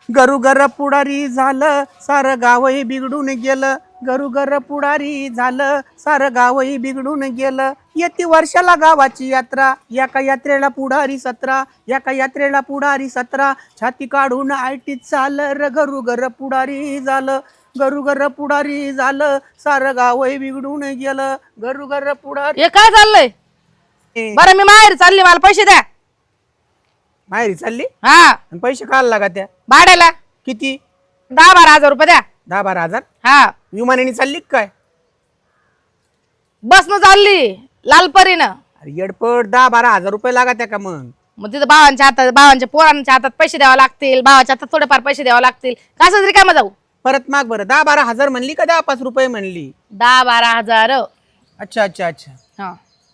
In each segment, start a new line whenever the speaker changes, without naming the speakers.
गरुगर पुढारी झालं सारं गावही बिघडून गेलं. गरुगर पुढारी झालं सारं गावही बिघडून गेलं. येती वर्षाला गावाची यात्रा एका यात्रेला पुढारी 17 एका यात्रेला पुढारी 17 छाती काढून आयटीत चाललं र गरुगर पुढारी झालं. गरुगर पुढारी झालं सारं गावही बिघडून गेलं. गरुगर पुढारी.
हे काय चाललंय? बरं मी माहेर चालली, मला पैसे द्या.
माहेरी चालली
हा,
आणि पैसे काढ लागा त्या
भाड्याला
किती?
10-12 हजार रुपये द्या.
10-12 हजार?
हा,
विमानाने चालली काय?
बसनं चालली लालपरीनं.
अरे येडपट 10-12 हजार रुपये लागा त्या का मग
तिथं भावांच्या हातात, भावांच्या पोरांच्या हातात पैसे द्यावे लागतील, भावाच्या हातात थोडेफार पैसे द्यावे लागतील. कसं तरी कामा जाऊ.
परत माग बरं. 10-12 हजार म्हणली का 10-5 रुपये म्हणली?
10-12 हजार.
अच्छा अच्छा अच्छा.
हा,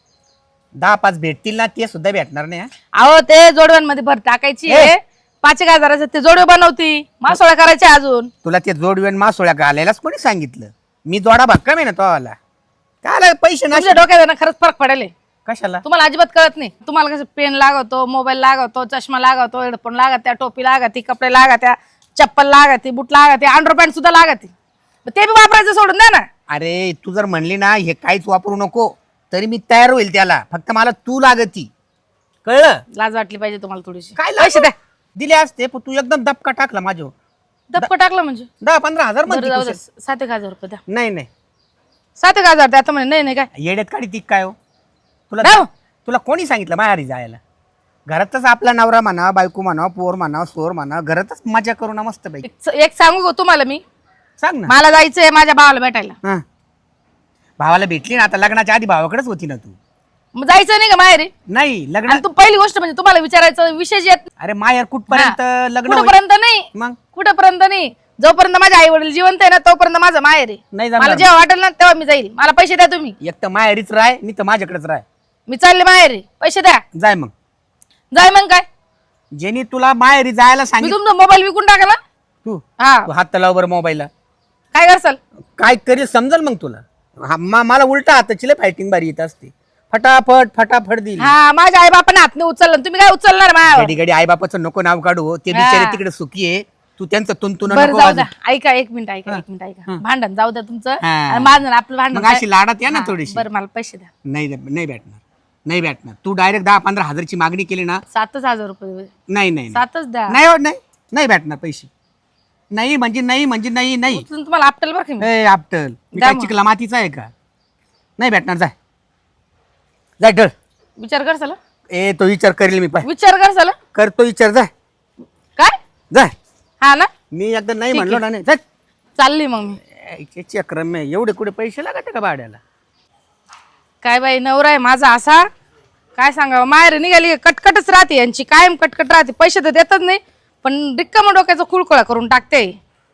10-5 भेटतील ना? ते सुद्धा भेटणार नाही.
अहो ते जोडव्यांमध्ये भर टाकायची आहे. 5 हजाराचं ते जोडवे बनवती, मासोळ्या करायचे अजून.
तुला ते जोडवेन मासोळ्या घालायलाच कोणी सांगितलं? मी जोडा भक्कम आहे ना तो आला. काय पैसे
तुमच्या
नाही
डोक्यात ना खरंच फरक पडेल.
कशाला?
तुम्हाला अजिबात कळत नाही. तुम्हाला कसं पेन लागतो, मोबाईल लागतो, चष्मा लागतो, हेडफोन लागत्या, टोपी लागती, कपडे लागत्या, चप्पल लागती, बूट लागते, अंडरपॅन्ट सुद्धा लागती. ते बी वापरायचं सोडून द्या ना.
अरे तू जर म्हणली ना हे काहीच वापरू नको तरी मी तयार होईल त्याला. फक्त मला तू लागती. कळलं?
लाज वाटली पाहिजे तुम्हाला थोडीशी.
काय
पैसे द्या.
दिले असते पण तू एकदम दबका टाकला माझ्यावर.
धक्का टाकला म्हणजे
10-15 हजार
बरं जाऊ द्या.
म्हणते.
7-1 हजार रुपये द्या.
नाही नाही
7-1 हजार द्या. आता म्हणे नाही नाही काय
येड्यात काढी ती काय हो? तुला
नाही हो.
तुला कोणी सांगितलं माहेरी जायला? घरातच आपला नवरा म्हणा, बायको म्हणा, पोर म्हणा, सोर म्हणा, घरातच मजा करू ना मस्त बाई.
एक सांगू का तुम्हाला मी?
सांग ना.
मला जायचंय माझ्या भावाला भेटायला.
हा. भावाला भेटली ना आता? लग्नाच्या आधी भावाकडेच होती ना तू?
मग जायचं नाही का माहेरी?
नाही लग्न.
आणि तू पहिली गोष्ट म्हणजे तुम्हाला विचारायचं विशेष येत
अरे माहेर कुठपर्यंत लग्न होईल?
कुठपर्यंत नाही,
मग
कुठपर्यंत नाही. जोपर्यंत माझे आई वडील जिवंत आहे ना तोपर्यंत माझं माहेर आहे.
नाही
मला
जमणार.
जेव्हा वाटेल ना तेव्हा मी जाईल. मला पैसे द्या तुम्ही.
एक तर माहेरीच राह नाही तर माझ्याकडेच राह.
मी चालले माहेरी. पैसे द्या.
जाय मग.
जाय मग काय?
ज्यांनी तुला माहेरी जायला
मी
सांगितलं.
तुमचा मोबाईल विकून टाका ना.
तू
हा,
तू हात लाव बरं मोबाईलला.
काय करसाल?
काय करेल समजल मग तुला. मला उलटा हाताची फायटिंग बारी येत असते. फटाफट फटाफट दिली.
हा, माझ्या आई बापाने हात नाही उचलला, तुम्ही काय उचलणार माझ्यावर?
घडी घडी आई बापाचं नको नाव काढू. ते बिचारे तिकडे सुखी आहे. तू त्यांचं तुंतुन
बरं
नको
जाऊ
वाजवू.
द्या. ऐका एक मिनिट, ऐका एक मिनिट, ऐका. भांडण जाऊ द्या तुमचं
हा.
आणि माझं ना आपलं भांडण
मग अशी लाडात या ना
हा,
थोडीशी.
बरं मला पैसे द्या.
नाही नाही भेटणार. नाही भेटणार. तू डायरेक्ट 10-15 हजारची मागणी केली ना?
7,000 रुपये.
नाही नाही
7च द्या.
नाही हो, नाही नाही भेटणार पैसे. नाही म्हणजे नाही म्हणजे नाही नाही.
उचलून तुम्हाला आपटेल बरं का मी.
ए आपटल मी
द्या
काय
मग.
चिकला मातीचा आहे का? नाही भेटणार. जाय जाय डळ.
विचार करसाल?
ए तो विचार करेल मी. पाय
विचार करसाल?
करतो विचार. जाय
काय?
जाय.
हा ना,
मी एकदा नाही
ठीक
म्हणलो
आहे.
ना. नाही जाय.
चालली मग मी.
चक्रम आहे. एवढे कुठे पैसे लागत का भाड्याला?
काय बाई नवरा आहे माझा असा, काय सांगावं. माहेर निघाली कटकटच राहते यांची, कायम कटकट राहते. पैसे तर देतच नाही पण रिक्काम डोक्याचा कुळकुळा करून टाकते.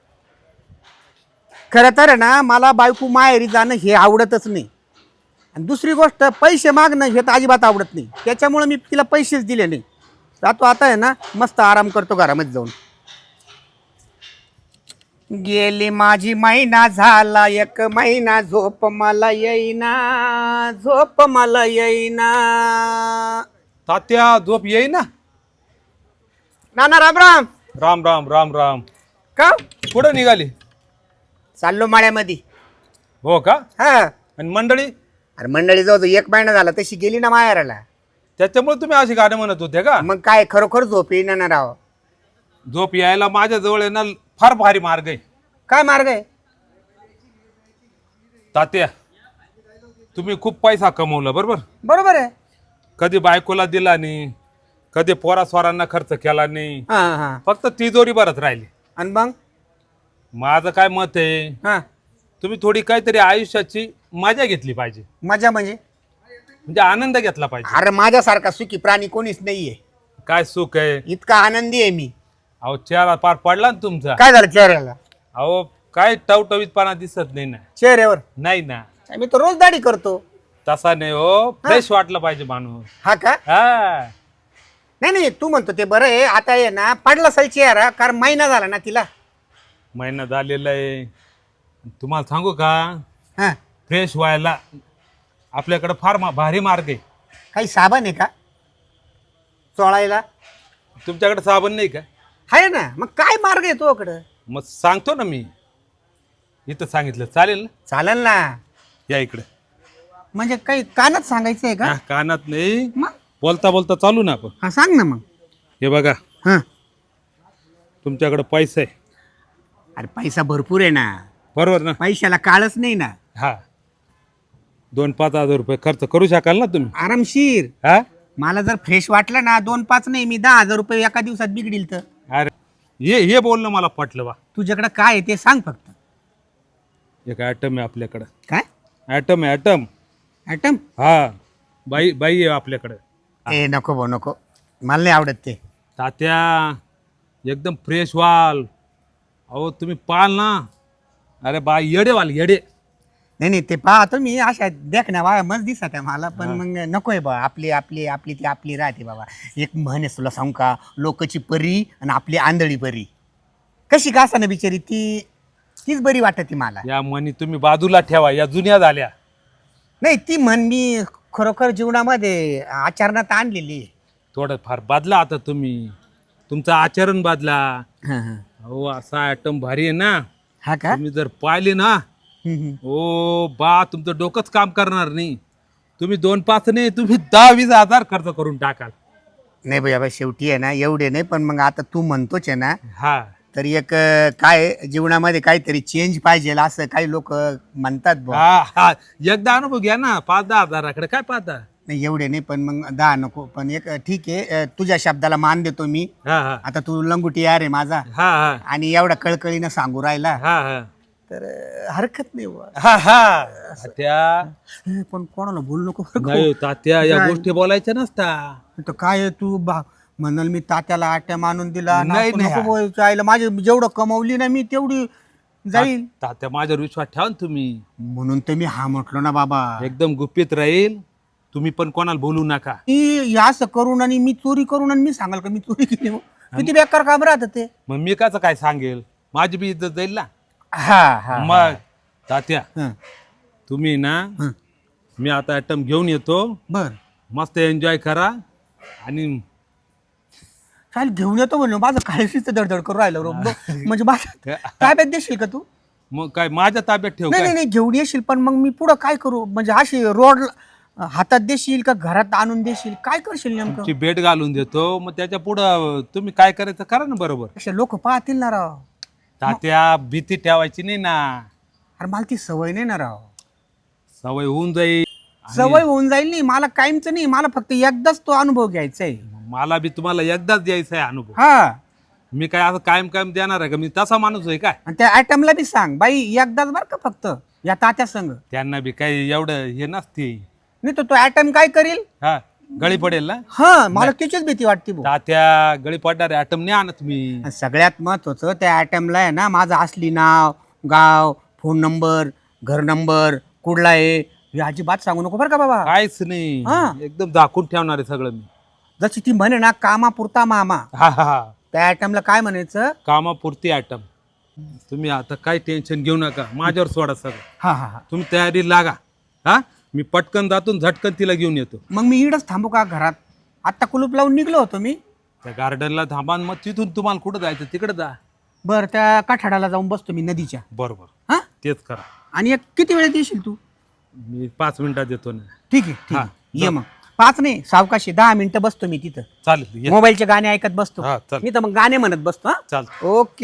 खरं तर ना मला बायको माहेरी जाणं हे आवडतच नाही. आणि दुसरी गोष्ट पैसे मागणं हे तर अजिबात आवडत नाही. त्याच्यामुळे मी तिला पैसेच दिले नाही. जातो आता आहे ना मस्त आराम करतो घरामध्ये जाऊन. गेली माझी महिना झाला 1 महिना झोप मला येईना. झोप मला येईना.
तात्या झोप येई ना.
नाना राम राम.
राम राम राम राम.
का
कुठं निघाली?
चाललो माळ्यामध्ये.
हो का?
हा.
आणि मंडळी?
अरे मंडळी जाऊ 1 महिना झाला तशी गेली ना माहेराला.
त्याच्यामुळे तुम्ही अशी गाणं म्हणत होते का?
मग काय खरोखर झोप येईना ना राव.
झोप यायला माझ्या जवळ आहे ना फार भारी मार्ग आहे.
काय मार्ग आहे?
तात्या तुम्ही खूप पैसा कमवला बरोबर.
बरोबर आहे.
कधी बायकोला दिला नाही, कधी पोरा स्वारांना खर्च केला नाही,
हा हा.
फक्त तिजोरी भरत राहिली.
आणि मग
माझं काय मत आहे,
हा
तुम्ही थोडी काहीतरी आयुष्याची मजा घेतली पाहिजे.
मजा म्हणजे?
म्हणजे आनंद घेतला पाहिजे.
अरे माझ्यासारखा सुखी प्राणी कोणीच नाहीये.
काय सुख आहे.
इतका आनंदी आहे मी.
अहो चेहरा पार पडला ना तुमचा.
काय झालं चेहऱ्याला?
अहो काय टवटवीतपणा दिसत नाही ना.
चेहऱ्यावर?
नाही ना.
मी तर रोज दाढी करतो.
तसा नाही हो, फ्रेश वाटलं पाहिजे माणूस.
हा का?
हा
नाही नाही तू म्हणतो ते बरं आहे. आता आहे ना पडला असेल चेहरा कारण महिना झाला ना तिला.
महिना झालेला आहे. तुम्हाला सांगू का,
हा.
फ्रेश व्हायला आपल्याकडे फार भारी मार्ग आहे.
काही साबण आहे का चोळायला?
तुमच्याकडे साबण नाही का?
आहे ना, मग काय मार्ग आहे तोकडं?
मग सांगतो ना मी, इथं सांगितलं चालेल ना?
चालेल ना.
या इकडे.
म्हणजे काही कानात सांगायचं आहे का?
हा, कानात नाही,
मग
बोलता बोलता चालू ना आपण.
हा सांग ना मग.
हे बघा,
हा,
तुमच्याकडे पैसा आहे
अरे पैसा भरपूर आहे ना,
बरोबर ना?
पैशाला काळच नाही ना.
हा, 2-5 हजार रुपये खर्च करू शकाल ना तुम्ही?
आरामशीर.
हा,
मला जर फ्रेश वाटलं ना 2-5 नाही, मी 10,000 रुपये एका दिवसात बिघडील तर.
अरे हे बोलणं मला पटलं बा.
तुझ्याकडे काय आहे ते सांग फक्त.
एक ॲटम आहे आपल्याकडं.
काय
ॲटम आहे, ॲटम.
ॲटम?
हा, बाई आहे आपल्याकडं.
ए नको भाऊ नको, मला नाही आवडत ते.
तात्या एकदम फ्रेश व्हाल. अहो तुम्ही पाल ना, अरे बाई येडे व्हाल, येडे.
नाही ते पाहतो मी, अशा देख ना बा मस्त दिसत आहे मला, पण मग नकोय बा. आपली आपली आपली ती आपली राहते बाबा. एक म्हण आहे तुला सांगू का, लोकची परी आणि आपली आंधळी परी. कशी का ना बिचारी तीच बरी वाटते मला.
या मनी तुम्ही बाजूला ठेवा, या जुन्या झाल्या.
नाही ती म्हण मी खरोखर जीवनामध्ये आचरणात आणलेली आहे.
थोडं फार बदला आता तुम्ही, तुमचं आचरण बदला. हो, असा ॲटम भारी आहे ना,
हा का?
तुम्ही जर पाहिले ना, ओ बा तुमचं डोकंच काम करणार नाही. तुम्ही 2-5 नाही, तुम्ही 10-20 हजार खर्च करून टाकाल.
नाही भैया शेवटी आहे ना एवढे नाही, पण मग आता तू म्हणतोच आहे ना,
हा,
तर एक काय जीवनामध्ये काहीतरी चेंज पाहिजे असं काही लोक म्हणतात बुवा.
हा, एकदा अनुभव घ्या ना. 5-10 हजाराकडे काय पाहता?
नाही एवढे नाही, पण मग 10 नको. पण एक ठीक आहे, तुझ्या शब्दाला मान देतो मी.
हा हा
आता तू लंगुटी यार आहे माझा,
हा हा
आणि एवढा कळकळीनं सांगू राहिला,
हा हा
तर हरकत नाही बुवा.
हा हा तात्या,
पण कोणाला बोलू नको बरं का.
नाही तात्या, या गोष्टी बोलायच्या नसता.
तर काय आहे, तू म्हणाल मी तात्याला आट्या मानून दिला.
नाही,
नको
नाही.
नको बोलायचं. आईला माझी जेवढं कमवली ना मी तेवढी जाईल,
तात्या माझ्यावर विश्वास ठेवा ना तुम्ही.
म्हणून तर मी हा म्हटलो ना बाबा.
एकदम गुपित राहील, तुम्ही पण कोणाला बोलू नका.
मी असं करून आणि मी चोरी करून आणि मी सांगाल का मी चोरी केली मग? किती बेकार काम राहत ते.
मग मी काच काय सांगेल, माझी बी इज्जत जाईल ना.
हा हा
मग तात्या,
हा.
तुम्ही ना,
हं.
मी आता ॲटम घेऊन येतो,
बर
मस्त एन्जॉय करा. आणि
चाल घेऊन येतो म्हणलं, माझं काळशीच दडदड करून राहिलं रो. म्हणजे माझ्या ताब्यात देशील का तू?
मग काय माझ्या ताब्यात ठेव
नाही
काय?
नाही घेऊन येशील, पण मग मी पुढं काय करू? म्हणजे अशी रोड हातात देशील का घरात आणून देशील, काय करशील नेमकं?
तुमची भेट घालून देतो, मग त्याच्या पुढं तुम्ही काय करायचं करा ना. बरोबर
अशा लोक पाहतील ना राव.
तात्या, भीती ठेवायची नाही ना,
अरे मला ती सवय नाही ना राव.
सवय होऊन जाईल.
सवय होऊन जाईल नाही, मला कायमच नाही, मला फक्त एकदाच तो अनुभव घ्यायचा आहे.
मला बी तुम्हाला एकदाच द्यायचा आहे अनुभव.
हा,
मी काय असं कायम कायम देणार आहे का? मी तसा माणूस आहे काय?
आणि त्या आयटमला बी सांग बाई एकदाच बरं का फक्त, या तात्या संग.
त्यांना बी काही एवढं हे नसते.
नाही तर तो आयटम काय करील?
हा, गळी पडेल ना.
हा, मला त्याचीच भीती वाटते भाऊ.
तात्या, गळी पडणारे ॲटम नाही आणत मी.
आणि सगळ्यात महत्वाचं त्या आयटमला आहे ना माझं असली नाव, गाव, फोन नंबर, घर नंबर कुठला आहे हे अजिबात सांगू नको बरं का बाबा.
काहीच नाही,
हा.
एकदम दाखवून ठेवणार आहे सगळं मी.
जशी ती म्हणे ना कामापुरता मामा,
हा हा हा,
त्या आयटमला काय म्हणायचं?
कामापुरती ॲटम. तुम्ही आता काही टेन्शन घेऊ नका, माझ्यावर सोडा सगळं.
हा हा हा.
तुम्ही तयारी लागा. हा, मी पटकन जातून झटकन तिला घेऊन येतो.
मग मी इडच थांबू का घरात? आत्ता कुलूप लावून निघलो होतो मी.
त्या गार्डनला थांबा, मग तिथून तुम्हाला कुठं जायचं तिकडे जा.
बरं, त्या काठाडाला जाऊन बसतो मी नदीच्या.
बरोबर,
हा,
तेच करा.
आणि एक किती वेळेत येशील तू?
मी 5 मिनिटात येतो ना.
ठीक आहे ठीक
हा,
आहे, ये मग. 5 नाही, सावकाशी 10 मिनिटं बसतो मी तिथं.
चालेल, ये.
मोबाईलचे गाणे ऐकत बसतो
हा, चालेल.
मी तर, मग गाणे म्हणत बसतो. हा,
चालेल.
ओके.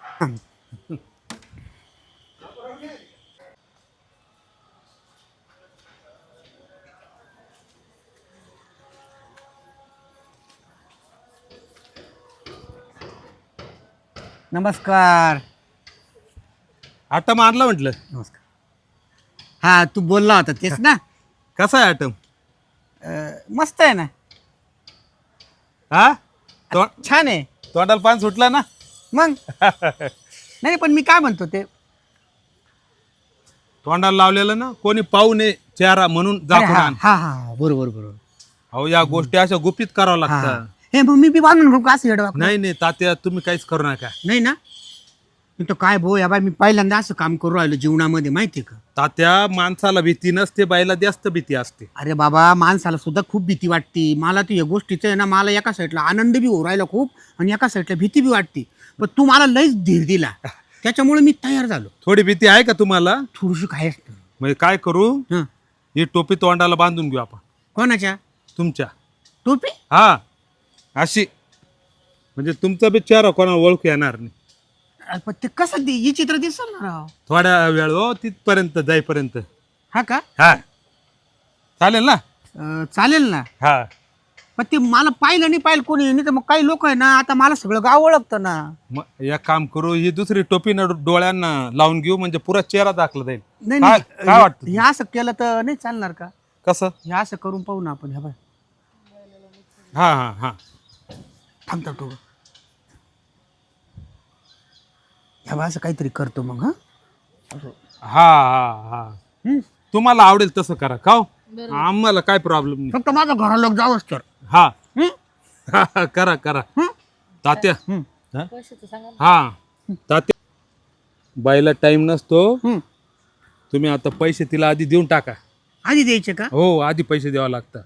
नमस्कार.
ॲटम आणला म्हटलं.
नमस्कार. हा, तू बोलला होता तेच ना?
कसा आहे ॲटम?
मस्त आहे ना,
हा,
छान आहे.
तोंडाला पान सुटला ना.
मग नाही, पण मी काय म्हणतो ते,
तोंडाला लावलेलं ना, कोणी पाहू नये चेहरा म्हणून
अरे
दाखवून
हा
आण.
हा हा, बरोबर बरोबर.
अहो, या गोष्टी अशा गुपित कराव्या
हा.
लागतात.
हे मग मी बी बांधून घेऊ का असं येडवा?
नाही नाही तात्या, तुम्ही काहीच करू नका.
नाही ना? तर काय भाऊ या बाय मी पहिल्यांदा असं काम करू राहिलो जीवनामध्ये माहितीये का.
तात्या माणसाला भीती नसते, बाईला जास्त भीती असते.
अरे बाबा माणसाला सुद्धा खूप भीती वाटते. मला तर या गोष्टीचं आहे ना, मला एका साईडला आनंद बी होऊ राहिला खूप आणि एका साईडला भीती बी वाटते. पण तू मला लईच धीर दिला त्याच्यामुळे मी तयार झालो.
थोडी भीती आहे का तुम्हाला?
थोडीशी काय असतं.
म्हणजे काय करू,
हं.
ही टोपी तोंडाला बांधून घेऊ आपण
कोणाच्या
तुमच्या.
टोपी?
हा अशी, म्हणजे तुमचा बी चेहरा कोणाला ओळखू येणार नाही.
पण ते कसं ही चित्र दिसल ना राव.
थोड्या वेळ हो, तिथपर्यंत जाईपर्यंत.
हा का?
हा चालेल ना?
चालेल ना.
हा
पण ते मला पाहिलं नाही पाहिलं कोणी नाही तर मग काही लोक आहे ना आता मला सगळं गाव ओळखतं ना.
मग एक काम करू, ही दुसरी टोपी ना डोळ्यांना लावून घेऊ, म्हणजे पुरा चेहरा दाखला जाईल.
नाही
काय
नाही
काय वाटतं?
हे असं केलं तर नाही चालणार का?
कसं?
हे असं करून पाहू ना आपण. ह्या बाय
हा हा हा
थांबतो तो. ह्या बाय असं काहीतरी करतो मग. हा
हा हा हा तुम्हाला आवडेल तसं करा का हो? आम्हाला काय प्रॉब्लेम नाही.
फक्त माझं घरा लोक जावंच तर.
हा
हं?
हा, हा, करा करा
हं?
तात्या.
हं.
हा? हा तात्या, बाईला टाइम नसतो.
हं.
तुम्ही आता पैसे तिला आधी देऊन टाका.
आधी द्यायचे का?
हो, आधी पैसे द्यावं लागतं.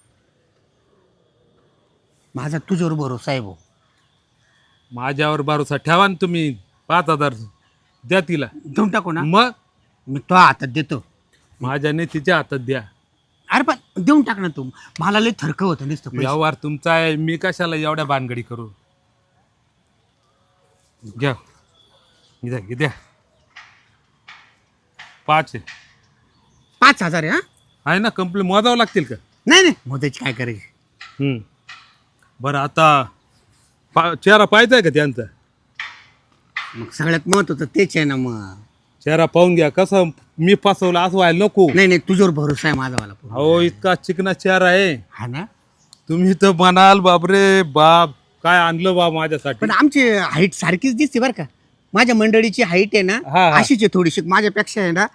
माझा तुझ्यावर भरोसा आहे भाऊ.
माझ्यावर भरोसा ठेवा ना तुम्ही. 5,000 द्या तिला.
देऊन टाकू ना.
मग
मी तो हातात देतो.
माझ्याने तिच्या हातात द्या.
अरे पण देऊन टाक ना तू. मला लय थरक होतं नुसतं पैसे.
व्यवहार तुमचा आहे, मी कशाला एवढ्या भानगडी करू. घ्या द्या द्या. 5 आहे.
5,000 आहे. हा
आहे ना, कंप्लेंट मोजावं लागतील का?
नाही नाही मोदाची काय करायची.
बरं आता चेहरा पाहायचा आहे का त्यांचा?
मग सगळ्यात महत्वाचं तेच आहे ना. मग
चेहरा पाहून घ्या. कसं मी फसवलं असं व्हायला नको.
नाही नाही तुझ्यावर भरोसा आहे माझा वाला.
हो, इतका चिकना चेहरा आहे.
हा ना.
तुम्ही तर म्हणाल बापरे बाप, काय आणलं बाप माझ्यासाठी.
पण आमची हाईट सारखीच दिसते बरं का. माझ्या मंडळीची हाईट आहे ना
हा, हा.
अशीच आहे थोडीशी माझ्यापेक्षा आहे ना.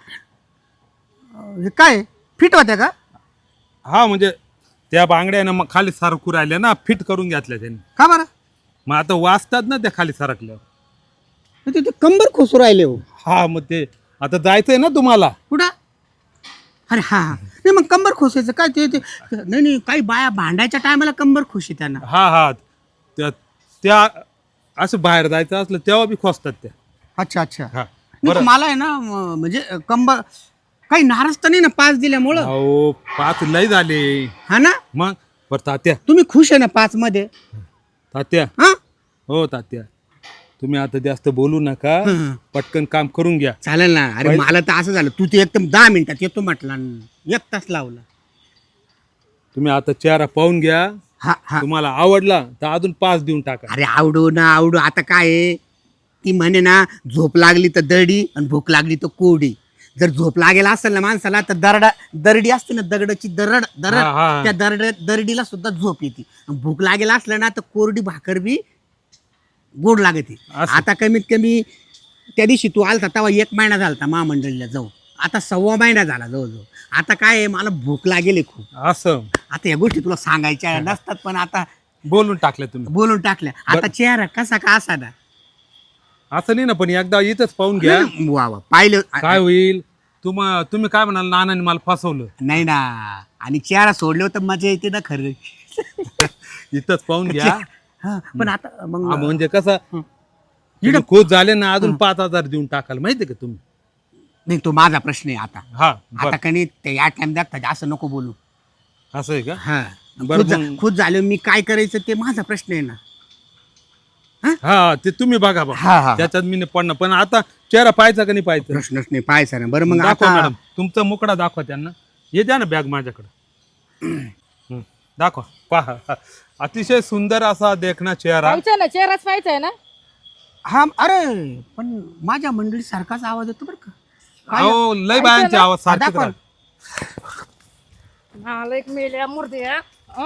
हे काय फिट होत्या का?
हा म्हणजे त्या बांगड्यानं मग खाली सरकू राहिल्या ना, फिट करून घेतल्या त्यांनी.
का बरं?
मग आता वाचतात ना त्या खाली सरकल्यावर.
ते कंबर खोसू राहिले हो.
हा मग ते आता जायचंय ना तुम्हाला.
कुठं? अरे हा हा. नाही मग कंबर खोसायचं काय ते नाही नाही काही बाया भांडायच्या टायमाला कंबर खोशी त्यांना.
हा हा त्या त्या असं बाहेर जायचं असलं तेव्हा बी खोसतात त्या.
अच्छा अच्छा.
हा
नाही तर मला आहे ना म्हणजे कंबर काही नाराज तर नाही ना 5 दिल्यामुळं.
अहो 5 लय झाले.
हा ना.
मग बरं तात्या,
तुम्ही खुश आहे ना 5 मध्ये?
तात्या.
हा
हो तात्या, तुम्ही आता जास्त बोलू नका.
हं.
पटकन काम करून घ्या.
चालेल ना. अरे मला तर असं झालं तू ते एकदम 10 मिनिटात येतो म्हटला 1 तास लावला.
तुम्ही आता चेहरा पाहून घ्या.
हा हा.
तुम्हाला आवडला तर अजून 5 देऊन टाका.
अरे आवडू ना आवडू आता काय आहे ती म्हणे ना झोप लागली तर दरडी आणि भूक लागली तर कोरडी. जर झोप लागेल असेल ना माणसाला तर दरडी असते ना दगडाची दरड
हा, हा.
त्या दरडीला सुद्धा झोप येते. भूक लागेल असलं ना तर कोरडी भाकर बी गोड लागते.
असं.
आता कमीत कमी त्या दिवशी तू आलता तेव्हा 1 महिना झालता महामंडळीला जाऊ. आता 1.25 महिना झाला जवळजवळ. आता काय आहे मला भूक लागेल खूप.
असं
आता या गोष्टी तुला सांगायच्या नसतात पण आता
बोलून टाकलं तुम्ही.
बोलून टाकल्या. आता चेहरा कसा का असा ना.
असं नाही ना, पण एकदा इथंच पाहून घ्या.
वा वा पाहिलं.
काय होईल. तुम्ही काय म्हणाल, नानाने मला फसवलं.
नाही ना. आणि चेहरा सोडले तर मजा येते ना खरं.
इथंच पाहून घ्या.
हा, पण आता
हा,
मग
म्हणजे कसं तुम्ही खुश झाले ना, अजून 5,000 देऊन टाकाल माहितीये का तुम्ही.
नाही तो माझा प्रश्न आहे आता.
हा
आता
बरं.
कणी ते या टाइम दाखतात असं नको बोलू.
असं आहे का?
हा
बरं, मग-
खुद झालं मी काय करायचं ते माझा प्रश्न आहे ना.
हा ते तुम्ही बघा बा.
हा, हा.
त्याच्यात मी नाही पडणार. पण आता चेहरा पाहायचा का नाही पाहायचा?
प्रश्नच नाही पाहायचा ना. बरं मग
दाखवा
आता
मॅडम, तुमचा मुकडा दाखवा त्यांना. ये द्या ना बॅग माझ्याकडे. दाखवा पहा. अतिशय सुंदर असा देखना चेहरा.
पाहायचा ना, चेहराच पाहायचा आहे ना.
हा अरे पण माझ्या मंडळी सारखाच आवाज येतो बरं का. काय?
अहो लय बायांचे आवाज सारखेच
दाखवा.
राहतात.
नालायक मेल्या मूर्ती हा.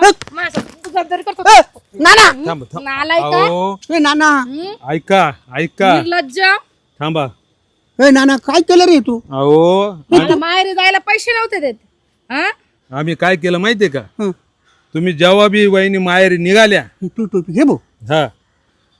नाना
थांबा, थांबा.
नालायक
अहो,
ए नाना
ऐका ऐका
निर्लज्ज.
थांबा.
ए नाना काय केलं रे तू?
अहो
मला माहेरी जायला पैसे नव्हते देत. हा
आम्ही काय केलं माहितीये का?
हं.
तुम्ही जेव्हा बी वहिनी माहेरी निघाल्या,
तू टोपी घे भाऊ.
हा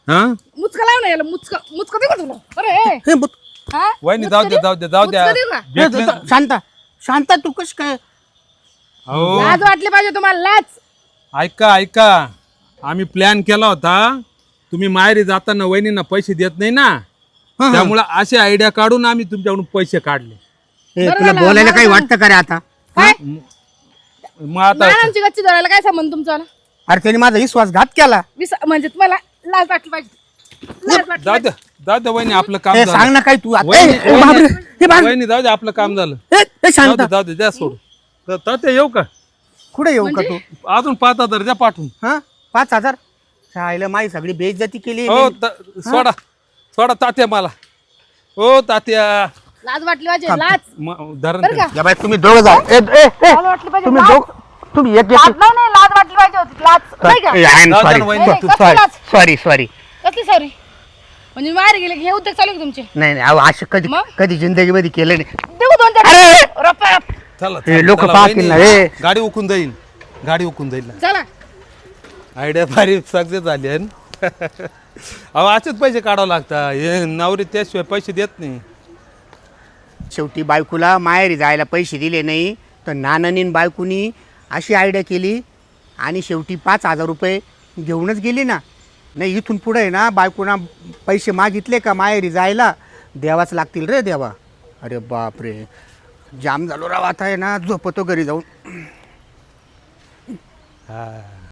हा
मुचका लाव ना याला, मुचका मुचका देऊ का तुला? अरे
हे बुत-
हा?
वहिनी
मुचका
जाऊ द्या
देऊ?
जाऊ द्या जाऊ द्या
मुचका देऊ का?
हे
भेटले-
द- शांता शांता तू कश काय
अहो
लाज वाटली पाहिजे तुम्हाला, लाज.
ऐका ऐका आम्ही प्लॅन केला होता तुम्ही माहेरी जाताना वहिनींना पैसे देत नाही ना त्यामुळे अशी आयडिया काढून आम्ही तुमच्याकडून पैसे काढले
हे,
बरं
तुला
झालं,
बोलायला
बरं
काही
झालं.
वाटतं का रे आता
काय
मग आता
नानांची गच्ची धरायला काय संबंध तुमचा?
अरे त्याने माझा विश्वासघात केला
म्हणजे तुम्हाला लाज वाटली पाहिजे, लाज वाटली
जाऊ द्या जाऊ द्या वहिनी आपलं काम
हे
झालं
सांग ना काय तू आता.
वहिनी-
ए, बापरे, हे बाप-
वहिनी जाऊ द्या आपलं काम झालं
हे, हे
जाऊ
शांता
दे जाऊ दे द्या सोड ते येऊ का
कुठे येऊ का तू
अजून 5,000 द्या पाठवून
हा 5,000 शाळेला माझी सगळी बेइज्जती केली
हो सोडा सोडा तात्या मला हो तात्या
लाज वाटली पाहिजे, लाज.
धरण
बरं का?
या बाई तुम्ही दोघं जा
लाज वाटली पाहिजे,
तुम्ही
लाज.
दोघ तुम्ही एक
लाज नाही, लाज वाटली पाहिजे होती, लाज. नाही का?
जाऊ द्या वहिनी.
नाही, कसली लाज?
सॉरी
कसली सॉरी? म्हणजे बाहेर गेले की हे उद्योग चालू आहे का तुमचे?
नाही नाही अहो, असं कधी
मग?
कधी जिंदगीमध्ये केलं नाही
देऊ 2-4
अरे!
रुपये.
चला
हे लोकं
चला,
पाहतील
वहिनी.
ना, हे.
गाडी उकून जाईल गाडी उकून जाईल
चला.
आयडिया भारी सक्सेस झाली आहे ना. अहो असेच पैसे काढावं लागतात हे नवरी त्याशिवाय पैसे देत नाही
शेवटी बायकोला माहेरी जायला पैसे दिले नाही तर नानानी बायकोनी अशी आयडिया केली आणि शेवटी 5,000 रुपये घेऊनच गेली ना. नाही इथून पुढे आहे ना बायकोना पैसे मागितले का माहेरी जायला द्यावाच लागतील रे देवा. अरे बापरे जाम झालो राव आता आहे ना झोपतो घरी जाऊन.
हा